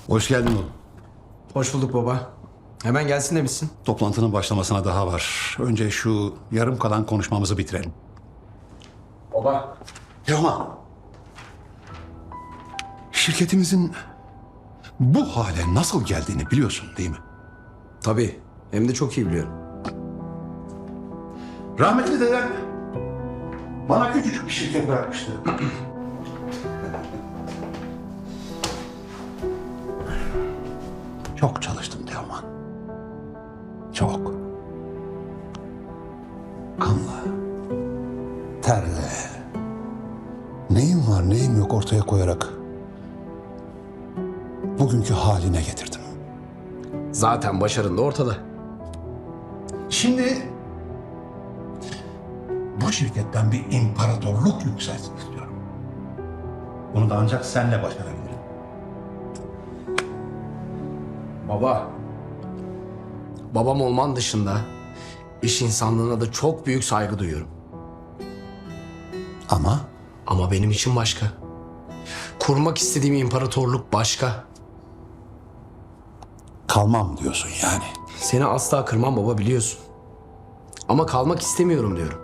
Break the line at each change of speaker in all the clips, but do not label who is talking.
Hoş geldin oğlum.
Hoş bulduk baba. Hemen gelsin demişsin.
Toplantının başlamasına daha var. Önce şu yarım kalan konuşmamızı bitirelim.
Baba.
Teoman. Şirketimizin bu hale nasıl geldiğini biliyorsun değil mi?
Tabii. Hem de çok iyi biliyorum.
Rahmetli dedem bana küçücük bir şirket bırakmıştı. Çok çalıştım Teoman. Çok. Kanla, terle, neyim var neyim yok ortaya koyarak bugünkü haline getirdim.
Zaten başarın da ortada.
Şimdi bu şirketten bir imparatorluk yükselsin istiyorum. Bunu da ancak senle başarabilirim.
Baba. Babam olman dışında iş insanlığına da çok büyük saygı duyuyorum.
Ama
Ama benim için başka. Kurmak istediğim imparatorluk başka.
kalmam diyorsun yani.
Seni asla kırmam baba, biliyorsun. Ama kalmak istemiyorum diyorum.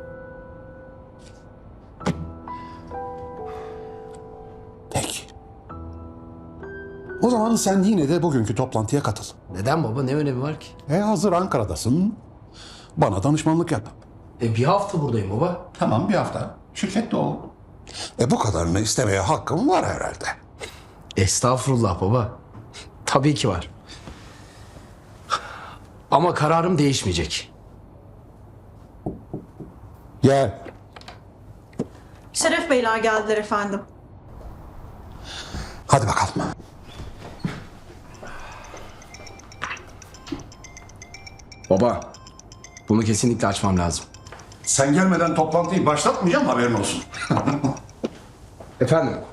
Peki. O zaman sen yine de bugünkü toplantıya katıl.
Neden baba? Ne önemi var ki?
Hazır Ankara'dasın. Bana danışmanlık yap.
Bir hafta buradayım baba.
Tamam, bir hafta. Şirkette ol. Bu kadarını istemeye hakkım var herhalde.
Estağfurullah baba. Tabii ki var. Ama kararım değişmeyecek.
Gel.
Şeref Beyler geldiler efendim.
Hadi bakalım.
Baba, bunu kesinlikle açmam lazım.
Sen gelmeden toplantıyı başlatmayacağım, haberin olsun.
Efendim?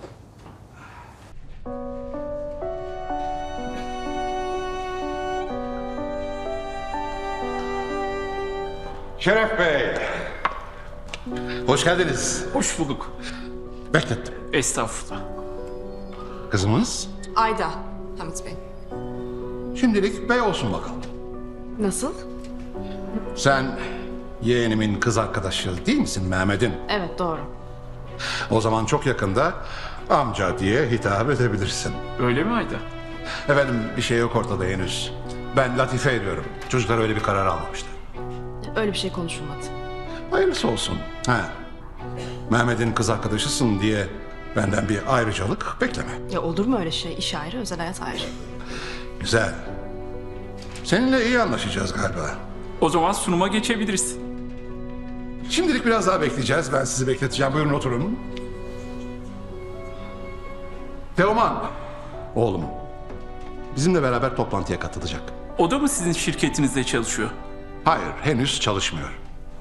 Şeref Bey. Hoş geldiniz.
Hoş bulduk.
Beklettim.
Estağfurullah.
Kızımız
Ayda, Hamit Bey.
şimdilik bey olsun bakalım.
Nasıl?
Sen yeğenimin kız arkadaşı değil misin Mehmet'in?
Evet, doğru.
O zaman çok yakında amca diye hitap edebilirsin.
Öyle mi Ayda?
Efendim, bir şey yok ortada henüz. Ben latife ediyorum. Çocuklar öyle bir karar almamıştı.
Öyle bir şey konuşulmadı.
Hayırlısı olsun. Mehmet'in kız arkadaşısın diye benden bir ayrıcalık bekleme.
Ya olur mu öyle şey? İş ayrı, özel hayat ayrı.
Güzel. Seninle iyi anlaşacağız galiba.
O zaman sunuma geçebiliriz.
Şimdilik biraz daha bekleyeceğiz. Ben sizi bekleteceğim. Buyurun oturun. Teoman, oğlum, bizimle beraber toplantıya katılacak.
O da mı sizin şirketinizde çalışıyor?
Hayır, henüz çalışmıyor.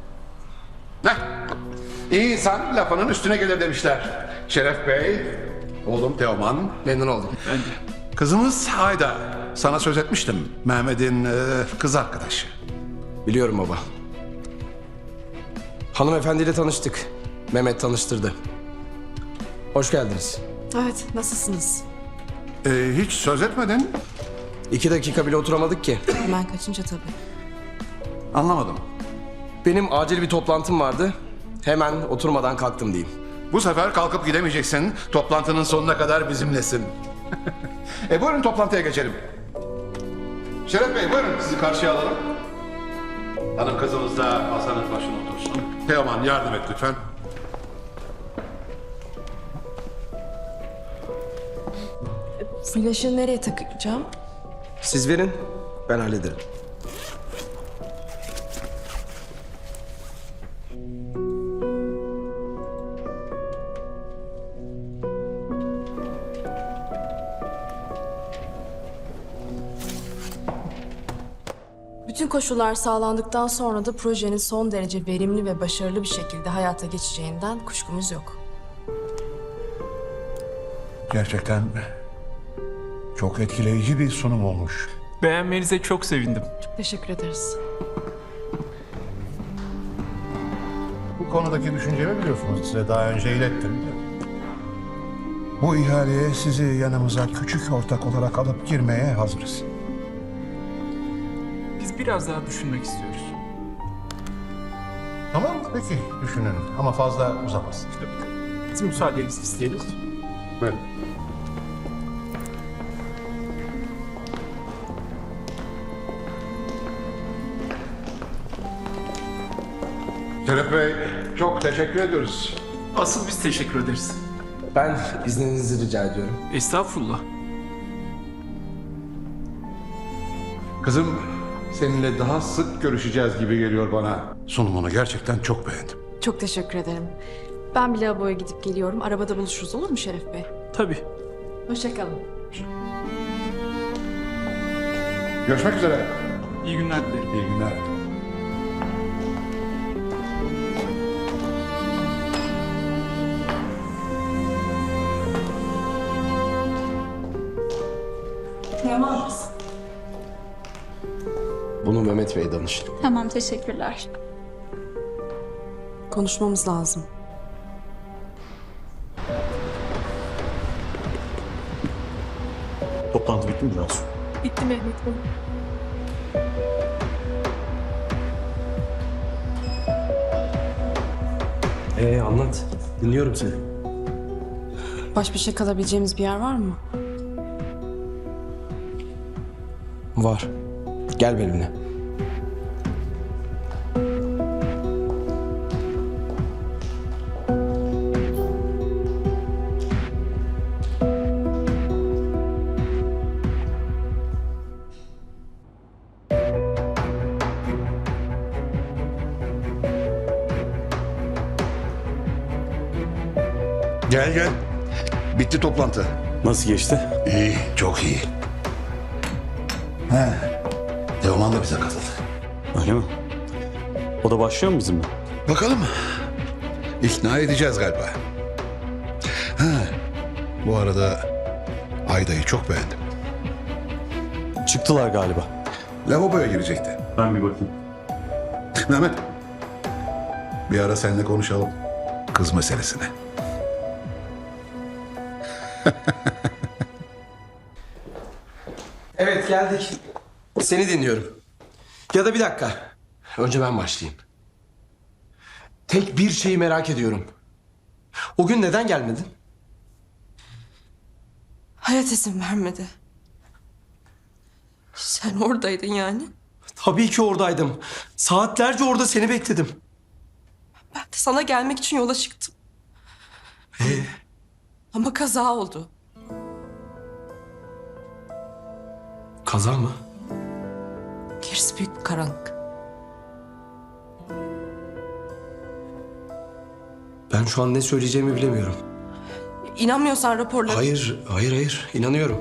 İyi insan lafının üstüne gelir demişler. Şeref Bey, oğlum Teoman.
Memnun oldum.
Ben de.
Kızımız Ayda. Sana söz etmiştim. Mehmet'in kız arkadaşı.
Biliyorum baba. Hanımefendiyle tanıştık. Mehmet tanıştırdı. Hoş geldiniz.
Evet, nasılsınız?
Hiç söz etmedin.
2 dakika bile oturamadık ki.
Hemen kaçınca tabii.
Anlamadım.
Benim acil bir toplantım vardı. Hemen oturmadan kalktım diyeyim.
Bu sefer kalkıp gidemeyeceksin. Toplantının sonuna kadar bizimlesin. Buyurun toplantıya geçelim. Şeref Bey, buyurun sizi karşıya alalım. Hanım kızımız da masanın başına otursun. Teoman, yardım et lütfen.
Flaşı nereye takacağım?
Siz verin, ben hallederim.
Bütün koşullar sağlandıktan sonra da projenin son derece verimli ve başarılı bir şekilde hayata geçeceğinden kuşkumuz yok.
Gerçekten çok etkileyici bir sunum olmuş.
Beğenmenize çok sevindim.
Teşekkür ederiz.
Bu konudaki düşüncemi biliyorsunuz. Size daha önce ilettim.
Bu ihaleye sizi yanımıza küçük ortak olarak alıp girmeye hazırız.
Biz biraz daha düşünmek istiyoruz.
Tamam peki düşünün ama fazla uzamasın.
Biz müsaadenizi isteyelim.
Buyurun. Şeref Bey, çok teşekkür ediyoruz.
Asıl biz teşekkür ederiz.
Ben izninizi rica ediyorum.
Estağfurullah.
Kızım, seninle daha sık görüşeceğiz gibi geliyor bana. Sunumunu gerçekten çok beğendim.
Çok teşekkür ederim. Ben bir lavaboya gidip geliyorum. Arabada buluşuruz olur mu Şeref Bey?
Tabii.
Hoşçakalın.
Görüşmek üzere.
İyi günler dilerim.
İyi günler.
Tamam.
Bunu Mehmet Bey'e danışın.
Tamam, teşekkürler.
Konuşmamız lazım.
Toplantı bitti mi Cansu?
Bitti Mehmet Bey.
Anlat. Dinliyorum seni.
Baş başa kalabileceğimiz bir yer var mı?
Var. Gel benimle.
Gel gel. Bitti toplantı.
Nasıl geçti?
İyi, çok iyi. He. Teoman da bize katıldı.
Öyle mi? O da başlıyor mu bizimle?
Bakalım. İkna edeceğiz galiba. Ha. Bu arada Ayda'yı çok beğendim.
Çıktılar galiba.
Lavaboya girecekti.
Ben bir bakayım.
Mehmet. Bir ara seninle konuşalım. Kız meselesini.
Evet geldik. Seni dinliyorum. Ya da bir dakika. Önce ben başlayayım. Tek bir şeyi merak ediyorum. O gün neden gelmedin?
Hayat izin vermedi. Sen oradaydın yani.
Tabii ki oradaydım. Saatlerce orada seni bekledim.
Ben de sana gelmek için yola çıktım. Ama kaza oldu.
Kaza mı?
Gerisi büyük bir karanlık.
Ben şu an ne söyleyeceğimi bilemiyorum.
İnanmıyorsan raporları...
Hayır. İnanıyorum.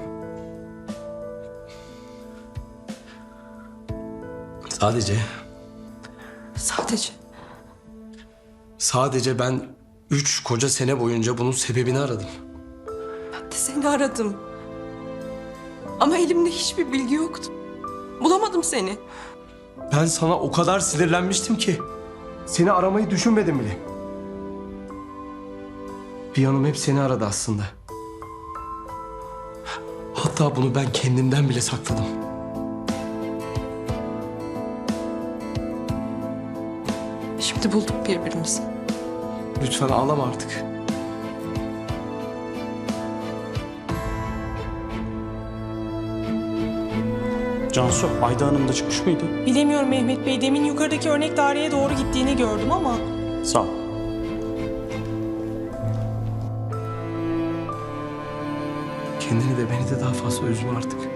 Sadece ben 3 koca sene boyunca bunun sebebini aradım.
Ben de seni aradım. Ama elimde hiçbir bilgi yoktu. Bulamadım seni.
Ben sana o kadar sinirlenmiştim ki seni aramayı düşünmedim bile. Bir yanım hep seni aradı aslında. Hatta bunu ben kendimden bile sakladım.
Şimdi bulduk birbirimizi.
Lütfen ağlama artık.
Cansu, Ayda Hanım da çıkmış mıydı?
Bilemiyorum Mehmet Bey. Demin yukarıdaki örnek daireye doğru gittiğini gördüm ama...
Sağ ol.
Kendini de beni de daha fazla üzme artık.